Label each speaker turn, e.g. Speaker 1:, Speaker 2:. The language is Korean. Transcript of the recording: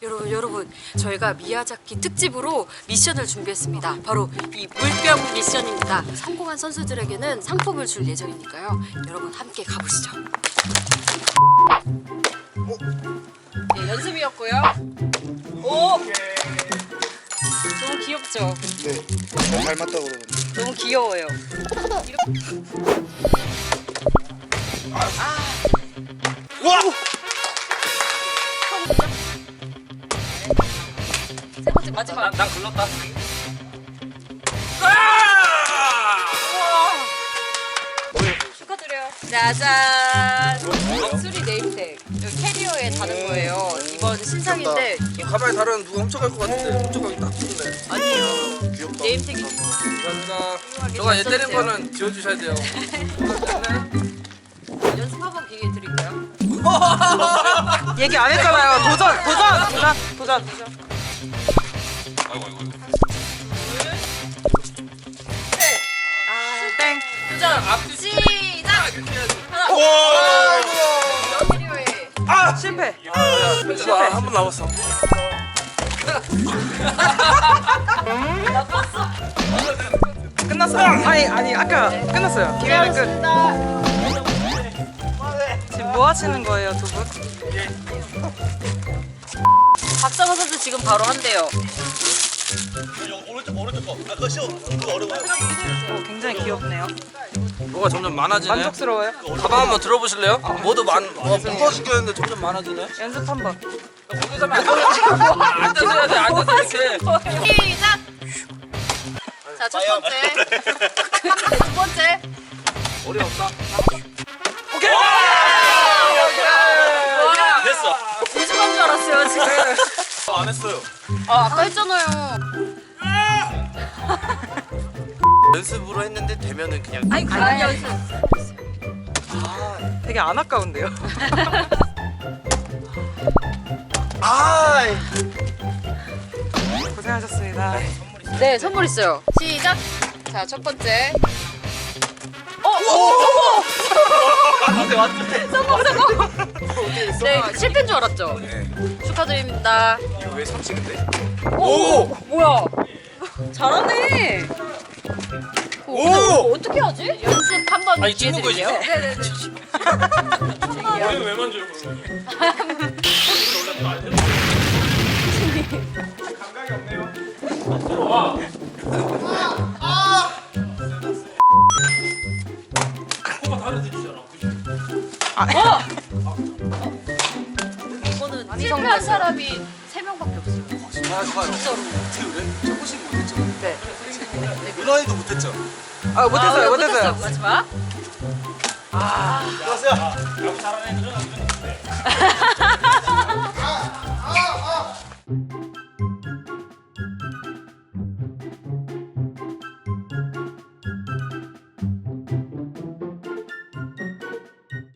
Speaker 1: 여러분 저희가 미야자키 특집으로 미션을 준비했습니다. 바로 이 물병 미션입니다. 성공한 선수들에게는 상품을 줄 예정이니까요. 여러분 함께 가보시죠. 네, 연습이었고요. 오! 너무 귀엽죠?
Speaker 2: 네, 잘 닮았다고 그러던데.
Speaker 1: 너무 귀여워요.
Speaker 2: 와!
Speaker 1: 세 번째 마지막.
Speaker 3: 난 글렀다.
Speaker 1: 축하드려요. 짜잔. 럭스리 네임택. 여기 캐리어에 다는 거예요. 이번 신상인데
Speaker 3: 가방에 다른 누가 훔쳐갈 것 같은데 훔쳐가기 딱 좋네.
Speaker 1: 아니에요.
Speaker 2: 귀엽다.
Speaker 1: 네임택이
Speaker 3: 감사합니다. 저가 얘 때린 거는 지워주셔야 돼요.
Speaker 1: 연습 한번 기회 드릴까요?
Speaker 4: 얘기 안 했잖아요. 도전. 땡.
Speaker 1: 도전. 시작. 하나.
Speaker 2: 와!
Speaker 1: 캐리어에.
Speaker 4: 아 실패.
Speaker 3: 한 번 남았어.
Speaker 4: 끝났어요. 아니 아까 끝났어요. 기회는 끝. 지금 뭐 하시는 거예요, 두 분?
Speaker 1: 박정호 선수 지금 바로 한대요.
Speaker 2: 오른쪽 거. 아, 그거 쉬워. 그거 어려워요.
Speaker 4: 굉장히 귀엽네요.
Speaker 3: 뭐가 점점 많아지네.
Speaker 4: 만족스러워요?
Speaker 3: 가방 한번 들어보실래요? 모두 무거워 죽겠는데 점점 많아지네.
Speaker 4: 연습 한번.
Speaker 3: 거기서 하면 안 돼. 앉아서 해야 돼. 앉아서 이렇게.
Speaker 1: 시작. 자, 첫 번째. 두 번째.
Speaker 3: 머리 없다.
Speaker 1: 오케이.
Speaker 2: 됐어.
Speaker 1: 우승한 줄 알았어요, 지금.
Speaker 2: 안 했어요.
Speaker 1: 아까 했잖아요.
Speaker 2: 연습으로 했는데 되면은 그냥
Speaker 1: 아니, 그런 연습.
Speaker 4: 되게 안 아까운데요.
Speaker 2: 아!
Speaker 4: 고생하셨습니다.
Speaker 1: 네, 선물 있어요. 시작. 자, 첫 번째.
Speaker 2: 맞네, 맞네.
Speaker 1: 네, 실패인 줄 알았죠?
Speaker 2: 네.
Speaker 1: 축하드립니다.
Speaker 2: 이거 왜 삼치는데?
Speaker 1: 오! 뭐야? 잘하네.
Speaker 2: 오!
Speaker 1: 근데 이거 어떻게 하지? 연습 한번
Speaker 3: 아니,
Speaker 1: 기회
Speaker 3: 찍는
Speaker 1: 드릴게요.
Speaker 3: 거지?
Speaker 1: 네네네.
Speaker 3: 왜 만져요, 그러면? 감각이 없네요. 들어와. 코가 다른 데지잖아.
Speaker 1: 이거는 실패한 사람이 3명밖에 없어요.
Speaker 2: 아, 좋아요.
Speaker 1: 진짜로.
Speaker 2: 그래? 조금씩 못했죠.
Speaker 1: 네.
Speaker 2: 누나이도 못했죠.
Speaker 4: 아 못했어요.
Speaker 1: 못했어요. 마지막.
Speaker 2: 안녕하세요.